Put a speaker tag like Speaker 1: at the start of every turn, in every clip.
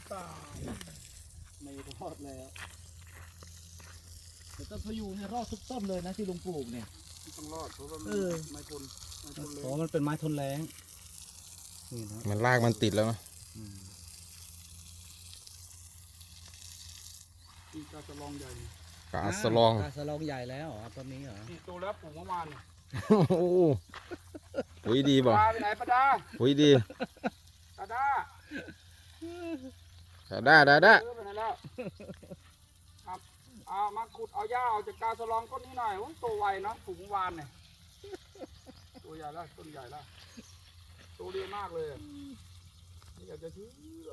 Speaker 1: ตายไม่รอดแล้วแต่ต้นพะยูงเนี่ยรอดทุกต้นเลยนะที่ลุงปลูกเนี่ย
Speaker 2: ต้องรอดเพราะว่าไม่ทนเลย
Speaker 1: เพราะมันเป็นไม้ทนแรงนี่นะ
Speaker 3: มันรากมันติดแล้วเนาะ
Speaker 2: นี่กาจะลองใหญ่
Speaker 3: กาสลอง
Speaker 1: กาสลองใหญ่แล้วเหรอต้นนี้เหรอ
Speaker 2: นี่โตแล้วปลูกเมื่อวาน
Speaker 3: โอ้โหปุ๋ยดีบ่
Speaker 2: ปลาไปไหนปลาดา
Speaker 3: ปุ๋ยดี
Speaker 2: ปลาดา
Speaker 3: ได้
Speaker 2: ไปไหนแล้วครับเอามาขุดเอาหญ้าออกจากกาสลองต้นนี้หน่อยโอ้โตไวนะปลูกเมื่อวานเนี่ยตัวใหญ่แล้วต้นใหญ่แล้วโตดีมากเลยไม่อยากจะเชื่อ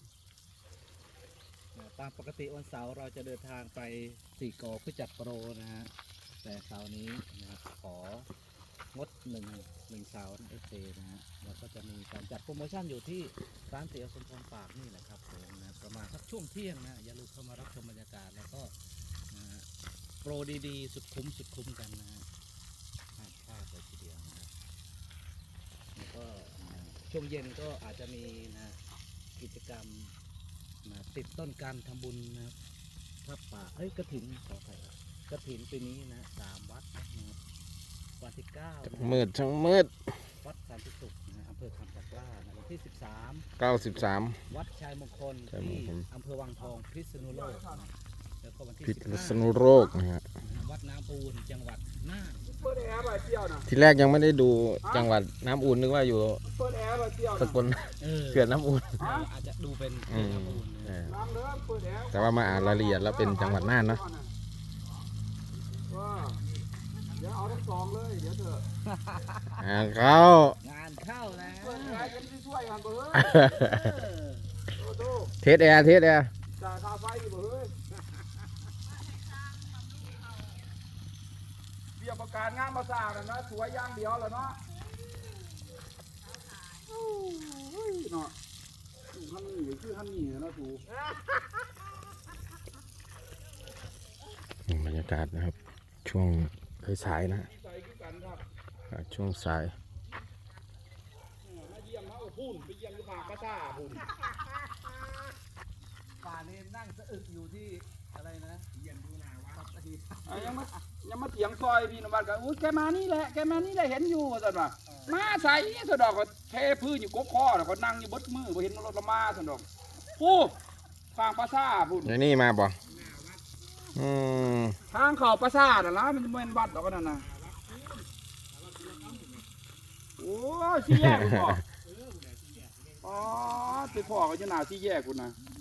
Speaker 1: ตามปกติวันเสาร์เราจะเดินทางไปสี่กอเพื่อจัดโปรนะฮะแต่เสาร์นี้นะครับของดหนึ่งเสาร์นะเอนะฮะแล้วก็จะมีการจัดโปรโมชั่นอยู่ที่ร้านเตี๋ยวสมพรปากนี่แหละครับผมนะประมาณสักช่วงเที่ยงนะอย่าลืมเข้ามารับชมบรรยากาศแล้วก็นะฮะโปรดีๆสุดคุ้มกันนะฮะห้ามพลาดเลยทีเดียวนะครับแล้วก็ช่วงเย็นก็อาจจะมีนะกิจกรรมติดต้นการทำบุญนะครับถ้าป่ากระถินขออภัยครับกระถินปีนี้นะ3 วัดนะครับวันที่9นะ
Speaker 3: มืดช่างมืด
Speaker 1: วัดสันติสุขนะอำเภอคำตะกร้านะวันที่
Speaker 3: 93
Speaker 1: วัดชัยมงคล
Speaker 3: ชัยม
Speaker 1: ที่
Speaker 3: งคล
Speaker 1: อำเภอวังทองพิษณุโลกนะแล้วก็วันที่
Speaker 3: พิษ
Speaker 1: 15
Speaker 3: ณุโลกนะฮะ
Speaker 1: วัดน้ำปูนจังหวัดน่าน
Speaker 2: เปิดแอร์ป่ะเที่ยวนะ
Speaker 3: ทีแรกยังไม่ได้ดูจังหวัดน้ำอุ่นนึกว่าอยู่
Speaker 2: เปิดแอร์ป่ะเที่ยว
Speaker 3: ส
Speaker 2: นะ
Speaker 3: กลเขื่อนน้ำอุ่น
Speaker 1: อาจจะดูเป็น
Speaker 3: อืม
Speaker 1: น้ำปูน
Speaker 3: เอ
Speaker 1: นะ
Speaker 3: อ
Speaker 2: ล้างเด้อเปิดแอร์
Speaker 3: แต่ว่ามาอ่านรายละเอียดแล้วเป็นจังหวัดน่านเนาะ
Speaker 2: ว่าเดี๋ยวเอาทั้งสองเลยเดี๋ยวเถอะ
Speaker 3: อ่านเข้าง
Speaker 1: านเข้าแล้ว
Speaker 2: เปิดแอร์กันที่ช่วยกันเบ้อ
Speaker 1: เออ
Speaker 2: โอ้โห
Speaker 3: เทสแอร์
Speaker 2: จ่ายค่าไฟอยู่เบ้อเบี้ยประกาศงานมาสร้างนะสวยอย่างเดียวแล้วเนาะโอ้ยเนาะถูกท่านนี่คือท่านนี่นะถูก
Speaker 3: บรรยากาศนะครับ ช่วงสายๆนะ
Speaker 2: ใส่คือกันครับ
Speaker 3: ช่วงสาย
Speaker 2: มาเยี่ยมเขาพุ่นไปเยี่ยมที่ปากกระซ่าพุ่น
Speaker 1: ป่านี้นั่งสะอึกอยู่ที่อะไรนะเยี่ยมดูหนาวัดสัตหีบ
Speaker 2: ยังมาเถียงซอยพี่นวัดกันอุ้ยแกมานี่แหละเห็นอยู่สันว่ามาใส่สะดอกก็เทพื้นอยู่กบคอน่ะเขานั่งอยู่บดมือบ่เห็นรถละมาสันดอกผู้ฟางปลาซ่าพุ่น
Speaker 3: ไอ้นี่มาบ่อืม
Speaker 2: ทางเข้าปลาซ่าน่ะล่ะมันเป็นวัดดอกนั่นน่ะโอ้สี่แยกคุณพ่ออ๋อไปพ่อก็อยู่หน้าสี่แยกคุณน่ะ